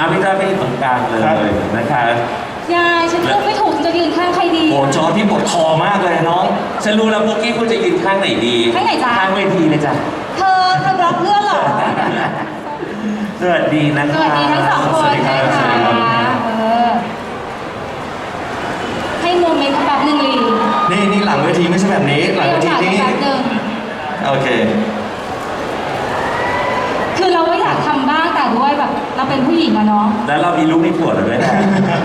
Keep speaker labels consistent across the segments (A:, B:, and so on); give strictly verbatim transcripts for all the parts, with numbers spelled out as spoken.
A: อาพี่เจ้าพี่ตรงกลางเลยนะคะ
B: ยายฉันเลือกไม่ถูกจะยืนข้างใครดี
A: โอ้จอพี่ปวดคอมากเลยน้องฉันรู้แล้วปุ๊กกี้คุณจะยืนข้างไหนดี
B: ข้างไหนจ๊ะ
A: ข้างเวทีเลยจ้ะ
B: เธอเธอบล็อกเพื่อนเหรอ
A: สวัสดีนะคะ
B: สวัสดีทั้งสองคนนะคะเออให้โมเมนต์แบบหนึ่งลี
C: นี่นี่หลังเวทีไม่ใช่แบบนี้หลังเวทีนี่โอเค
B: คือเราก็อยากทำบ้างแต่ด้วยแบบเราเป็นผู้หญิงอะเนาะ
A: แล้วเรามีลูกมีผัวแล้วด้วยนะ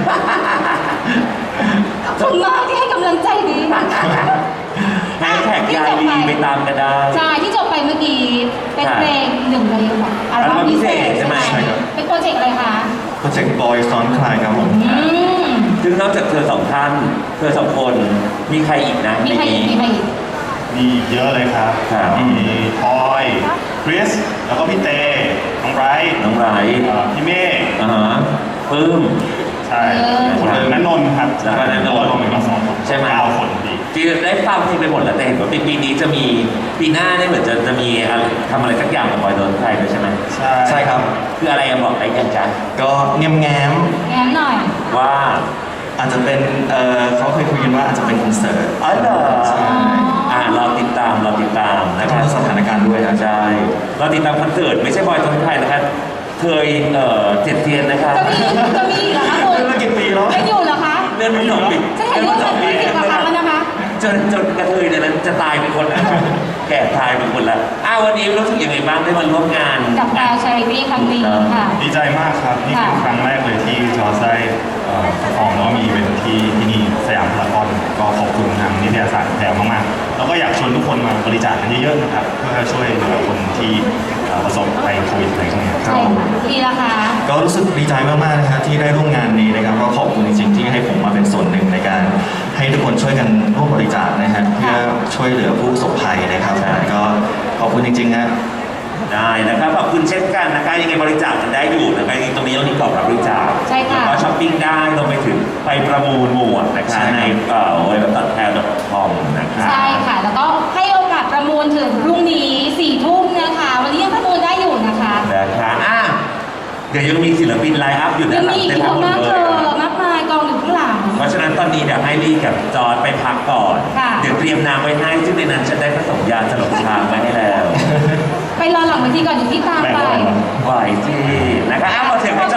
B: ขอบคุณมากที่ให้กำลังใจดี
A: แฮชแท็กยายลีไปตามกันได้
B: ใช่ที่จบไปเมื่อกี้เป็นเพลงหนึ่งเลยแบบอัลบั้มพิเศษใช่ไหมเป็นโปรเจกต์อะไรคะ
C: โปรเจกต์บอยซ้อนคลายครับผม
A: ซึ่งนอกจากเธอสองท่านเธอสองคนมีใครอีกนะ
B: มีใครอีกมีใครอีก
D: มีเยอะเลยครับมีพลอยคริสแล้วก็พี่เตน้องไบรท์
A: น้องไบรท์
D: พี่เมฆ
A: อ่าฮะปลื้ม
D: ใช่คนอื่นนันนนท์ครับ
A: แล้วก็นันนนท์
D: รวมกันสองคน
A: ใช่ไหม
D: เก้าคนดี
A: ที่ได้ฟังเพลงไปหมดแล้วแต่เห็นว่าปีนี้จะมีปีหน้าเนี่ยเหมือนจะจะมีทำอะไรสักอย่างกับบอยโดนไทยด้วยใช่ไหม
C: ใช่ใช่ครับ
A: คืออะไรบอกได้ยังจ๊ะ
C: ก็แง้มแง้ม
B: แง้มหน่อย
A: ว่า
C: อาจจะเป็นเออเขาเคยคุยกันว่าอาจจะเป็นคอนเสิร์ต
A: อ๋อเหรอ
C: ใช่
A: อ่าเราติดตามเราติดตามนะครับ
C: สถานการณ์ด้วยนะ
A: ใช่เราติดตามคอนเสิร์ตไม่ใช่บอยโดนไทยนะครับเคยเอ่อเจ็ดเทียนนะครับ
B: จะมีจะมีเหรอคะคุณ
C: เมื่อกี่ปีแล้ว
B: ไม่อยู่เหรอคะ
A: เรื่องนี้สองปี
B: จะเห็นว่าจะมีสิบกว่าครั้งแล้วนะคะ
A: จนจนกระเทยเนี่ยนั้นจะตายเป็นคนแล้วแก่ตายเป็นคนแล้วอ้าววันนี้รู้สึกยังไงบ้างได้มาร่วมงาน
B: กับแอลชาริตี้ครั้งนี้ค่ะ
D: ดีใจมากครับนี่เป็นครั้งแรกเลยที่จอร์จได้ของแล้วมีเป็นที่ที่นี่สยามพารากอนก็ขอบคุณทางนิตยสารแถวมากๆแล้วก็อยากชวนทุกคนมาบริจาคกันเยอะๆนะครับเพื่อช่วยเหลือคนที่ประสบภัยโควิดอะไรพวกนี้
B: ใช่ค่ะดีละค่ะ
C: ก็รู้สึกดีใจมากๆนะครับที่ได้ร่วมงานนี้นะครับก็ขอบคุณจริงๆที่ให้ผมมาเป็นส่วนหนึ่งในการให้ทุกคนช่วยกันร่วมบริจาคนะฮะเพื่อช่วยเหลือผู้ประสบภัยนะครับก็ขอบคุณจริงๆฮะ
A: ได้นะครับขอบคุณเช่นกันนะคะยังไงบริจาคกันได้อยู่นะคะตรงนี้เรามีกรอบรับบริจาค
B: ใช่ค่ะ
A: แล้วก็ช้อปปิ้งได้รวมไปถึงไปประมูลหมวดนะคะในเอ่อเว็บตัดแทนดอทคอมนะคะ
B: ใช่ค่ะแล้วก็ให้โอกาสประมูลถึงพรุ่งนี้สี่ทุ่มนะคะวันนี้ยังประมูลได้อยู่นะคะ
A: นะคะอ่ะเดี๋ยวยังมีศิลปินไลน์อัพอยู่ด้านหลัง
B: เต็มไปหมดเลยมากมายกองอยู่ข้างหลัง
A: เพราะฉะนั้นตอนนี้เดี๋ยวให้ลี่กับจอร์จไปพักก่อนเดี๋ยวเตรียมน้ำไว้ให้ซึ่งในนั้นฉันได้ผสมยาสลบช้างไว้ให้แล้ว
B: ไปรอหลังเวทีก่อนอยู่ที่ตามไป
A: ไหวที่นะคะอ้าวมาถึงให้จ